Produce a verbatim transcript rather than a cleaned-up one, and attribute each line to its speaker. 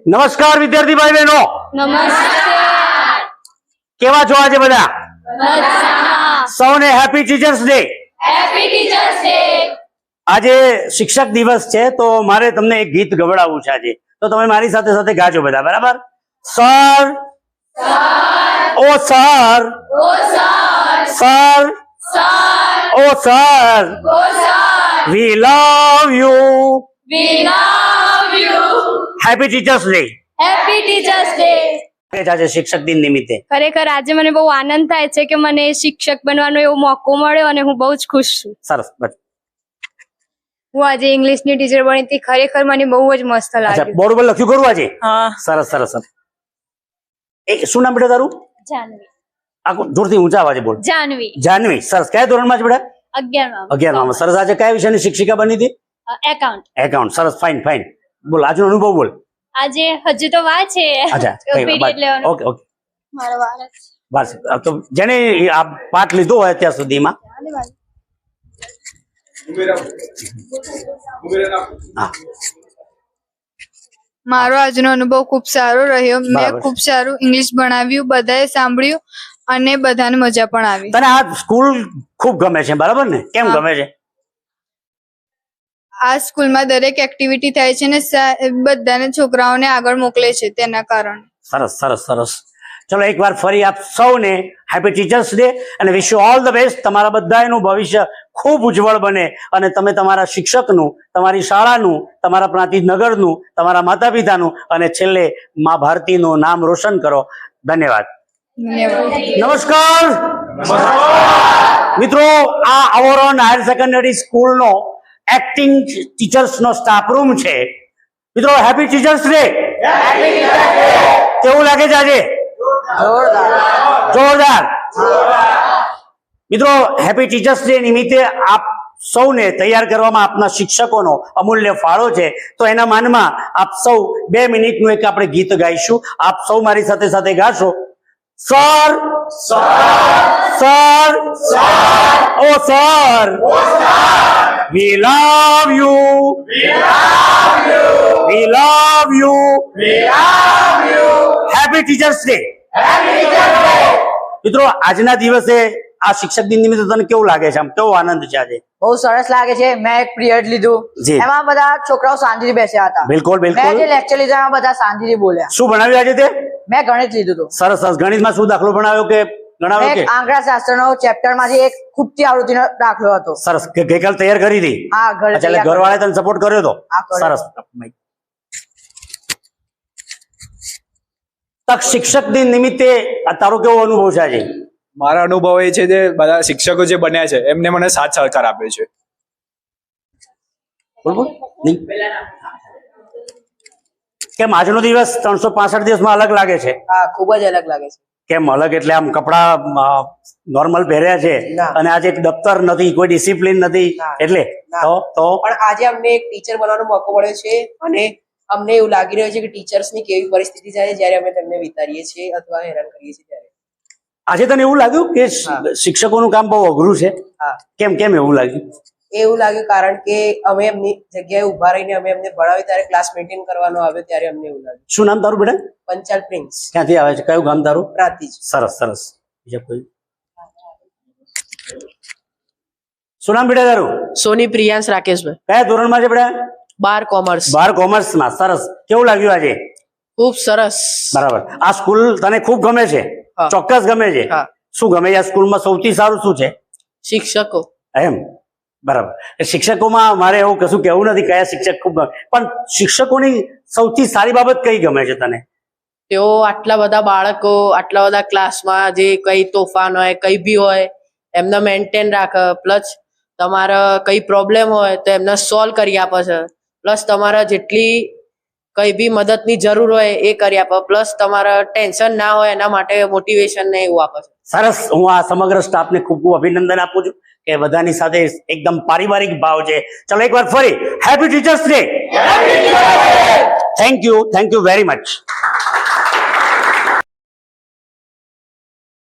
Speaker 1: નમસ્કાર વિદ્યાર્થી ભાઈ બહેનો,
Speaker 2: નમસ્કાર.
Speaker 1: કેવા છો આજે બધા?
Speaker 2: મજામાં.
Speaker 1: સૌને happy teachers day.
Speaker 2: Happy teachers day.
Speaker 1: આજે શિક્ષક દિવસ છે તો મારે તમને એક ગીત ગવડાવવું છે આજે, તો તમે મારી સાથે સાથે ગાજો બધા, બરાબર? Sir oh sir
Speaker 2: oh sir
Speaker 1: sir
Speaker 2: sir
Speaker 1: oh sir
Speaker 2: oh sir
Speaker 1: we love you.
Speaker 2: We love you.
Speaker 1: Happy teachers day.
Speaker 2: Happy teachers day.
Speaker 1: આજે શિક્ષક દિન નિમિત્તે
Speaker 2: ખરેખર આજે મને બહુ આનંદ થાય છે કે મને શિક્ષક બનવાનો એવો મોકો મળ્યો અને હું બહુ જ ખુશ છું.
Speaker 1: સરસ. બસ.
Speaker 2: હું આજે ઇંગ્લિશની ટીચર બની હતી. ખરેખર મને બહુ જ મસ્ત
Speaker 1: અચ્છા,
Speaker 2: લાગ્યું.
Speaker 1: બોર્ડ પર લખ્યું કરું આજે?
Speaker 2: હા.
Speaker 1: સરસ સરસ સરસ. એ શું નામ બેટા તારું?
Speaker 2: જાનવી.
Speaker 1: આખું જોરથી ઊંચા અવાજે બોલ.
Speaker 2: જાનવી.
Speaker 1: જાનવી. સરસ. કયા ધોરણમાં છે બેટા?
Speaker 2: અગિયારમાં.
Speaker 1: અગિયારમાં. સરસ. આજે કયા વિષયની શિક્ષિકા બની હતી?
Speaker 2: એકાઉન્ટ.
Speaker 1: એકાઉન્ટ. સરસ. Fine fine. બોલ, આજનો અનુભવ બોલ.
Speaker 2: આજે હજુ તો વાર છે.
Speaker 1: અચ્છા,
Speaker 2: પીરિયડ લેવાનો.
Speaker 1: Okay okay.
Speaker 2: મારો વાર છે.
Speaker 1: બસ તો જેને આ પાઠ લીધો હોય અત્યાર સુધીમાં, હા,
Speaker 3: મારો આજનો અનુભવ ખૂબ સારો રહ્યો. મેં
Speaker 1: બરાબર.
Speaker 3: ખૂબ સારું ઇંગ્લિશ ભણાવ્યું, બધાએ સાંભળ્યું અને બધાને મજા પણ આવી.
Speaker 1: તને આ સ્કૂલ ખૂબ ગમે છે, બરાબર ને? કેમ
Speaker 3: હા.
Speaker 1: ગમે છે?
Speaker 3: આ સ્કૂલમાં દરેક એક્ટિવિટી થાય છે ને સા- બધાને છોકરાઓને આગળ મોકલે છે તેના કારણે.
Speaker 1: સરસ સરસ સરસ. ચલો એકવાર ફરી આપ સૌને હેપી ટીચર્સ ડે અને wish you all the best. તમારા બધાનું ભવિષ્ય ખૂબ ઉજ્જવળ બને અને તમે તમારા શિક્ષકનું, તમારી શાળાનું, તમારા પ્રાંતિજનગરનું, તમારા માતા પિતાનું અને છેલ્લે મા ભારતીનું નામ રોશન કરો. ધન્યવાદ.
Speaker 3: ધન્યવાદ.
Speaker 1: નમસ્કાર મિત્રો, આ અવરોન હાયર સેકન્ડરી સ્કૂલનો એક્ટિંગ ટીચર્સ નો સ્ટાફ રૂમ છે. મિત્રો, હેપી ટીચર્સ ડે. કેવું લાગે છે આજે? જોરદાર. મિત્રો, હેપી ટીચર્સ ડે નિમિત્તે આપ સૌને તૈયાર કરવામાં આપના શિક્ષકોનો અમૂલ્ય ફાળો છે, તો એના માનમાં આપ સૌ બે મિનિટનું એક આપણે ગીત ગાઈશું. આપ સૌ મારી સાથે સાથે ગાશો. Sir sir oh sir we love you. We love you. Happy teachers day. મિત્રો, આજના દિવસે આ શિક્ષક દિન નિમિત્તે તને કેવું લાગે છે? આમ કેવો આનંદ છે આજે?
Speaker 4: બહુ સરસ લાગે છે. મેં એક પિરિયડ લીધું,
Speaker 1: જી.
Speaker 4: એમાં બધા છોકરાઓ શાંતિથી બેસ્યા હતા.
Speaker 1: બિલકુલ
Speaker 4: મેં
Speaker 1: બિલકુલ.
Speaker 4: જે લેક્ચર લીધા એમાં બધા શાંતિથી બોલ્યા.
Speaker 1: શું ભણાવ્યું આજે તે?
Speaker 4: મેં ગણિત લીધું હતું.
Speaker 1: સરસ સરસ. ગણિતમાં શું દાખલો ભણાવ્યો કે ગણાવ્યો
Speaker 4: મેં
Speaker 1: કે?
Speaker 4: એક આંકડા શાસ્ત્રનો ચેપ્ટર માંથી એક ખૂટતી આવૃત્તિનો દાખલો હતો.
Speaker 1: સરસ. કે ગઈકાલ તૈયાર કરી હતી?
Speaker 4: હા, ઘરે
Speaker 1: અચ્છા, એટલે
Speaker 4: તૈયાર
Speaker 1: ઘરવાળાએ તને સપોર્ટ કર્યો હતો?
Speaker 4: હા, કર્યો.
Speaker 1: સરસ. તક શિક્ષક દિન નિમિત્તે આ તારો કેવો અનુભવ છે આજે?
Speaker 5: મારા અનુભવ એ છે જે બધા શિક્ષકો જે બન્યા છે એમને મને સાથ સહકાર આપ્યો છે.
Speaker 1: બોલ બોલ. નહીં. કેમ આજનો દિવસ ત્રણસો પાસઠ દિવસમાં અલગ લાગે છે?
Speaker 4: હા, ખૂબ જ અલગ લાગે છે.
Speaker 1: કેમ અલગ? એટલે આમ કપડા નોર્મલ પહેર્યા છે
Speaker 4: ના.
Speaker 1: અને આજે એક દફતર નથી, કોઈ ડિસિપ્લિન નથી,
Speaker 4: ના.
Speaker 1: એટલે
Speaker 4: ના.
Speaker 1: તો તો
Speaker 6: પણ આજે અમને એક ટીચર બનવાનો મોકો મળ્યો છે અને અમને એવું લાગી રહ્યું છે કે ટીચર્સની કેવી પરિસ્થિતિ થાય છે જ્યારે અમે તેમને વિતારીએ છીએ અથવા હેરાન કરીએ છીએ ત્યારે.
Speaker 1: આજે તને એવું લાગ્યું કે
Speaker 6: હા.
Speaker 1: શિક્ષકોનું કામ બહુ અઘરું છે?
Speaker 6: હા,
Speaker 1: કેમ કેમ એવું લાગ્યું?
Speaker 6: એવું લાગ્યું કારણ કે અમે એમની જગ્યાએ ઉભા રહીને અમે એમને ભણાવી ત્યારે ક્લાસ મેન્ટેન કરવાનો આવ્યો ત્યારે અમને એવું લાગ્યું.
Speaker 1: શું નામ તારું બેટા?
Speaker 6: પંચાલ પ્રિન્સ
Speaker 1: ક્યાંથી આવે છે? કયું ગામ તારું?
Speaker 6: પ્રાંતિજ.
Speaker 1: સરસ સરસ. બીજા કોઈ? શું નામ બેટા તારું?
Speaker 7: સોની પ્રિયાંશ રાકેશભાઈ,
Speaker 1: કયા ધોરણમાં છે બેટા?
Speaker 7: બાર કોમર્સ.
Speaker 1: બાર કોમર્સમાં. સરસ. કેવું લાગ્યું આજે?
Speaker 7: ખૂબ સરસ.
Speaker 1: બરાબર. આ સ્કૂલ તને ખૂબ ગમે છે?
Speaker 7: હા.
Speaker 1: ચોક્કસ ગમે છે.
Speaker 7: હા.
Speaker 1: શું ગમે છે આ સ્કૂલમાં? સૌથી સારું શું છે?
Speaker 7: શિક્ષકો.
Speaker 1: એમ? બરાબર. એ શિક્ષકોમાં મારે એવું કશું કહેવું નથી કયા શિક્ષક ખૂબ ગમે, પણ શિક્ષકોની સૌથી સારી બાબત કઈ ગમે છે તને?
Speaker 7: તેઓ આટલા બધા બાળકો આટલા બધા ક્લાસમાં જે કઈ તોફાન હોય કઈ બી હોય એમને મેન્ટેન રાખે, પ્લસ તમારે કઈ પ્રોબ્લેમ હોય તો એમને સોલ્વ કરી આપે છે, પ્લસ તમારે જેટલી કઈ બી મદદની જરૂર હોય એ કરી આપે, પ્લસ તમારે ટેન્શન ના હોય એના માટે મોટિવેશન ને એવું આપે છે.
Speaker 1: સરસ. હું આ સમગ્ર સ્ટાફને ખૂબ ખૂબ અભિનંદન આપું છું કે બધાની સાથે એકદમ પારિવારિક ભાવ છે. ચલો એકવાર ફરી happy teachers day. Thank you thank you very much.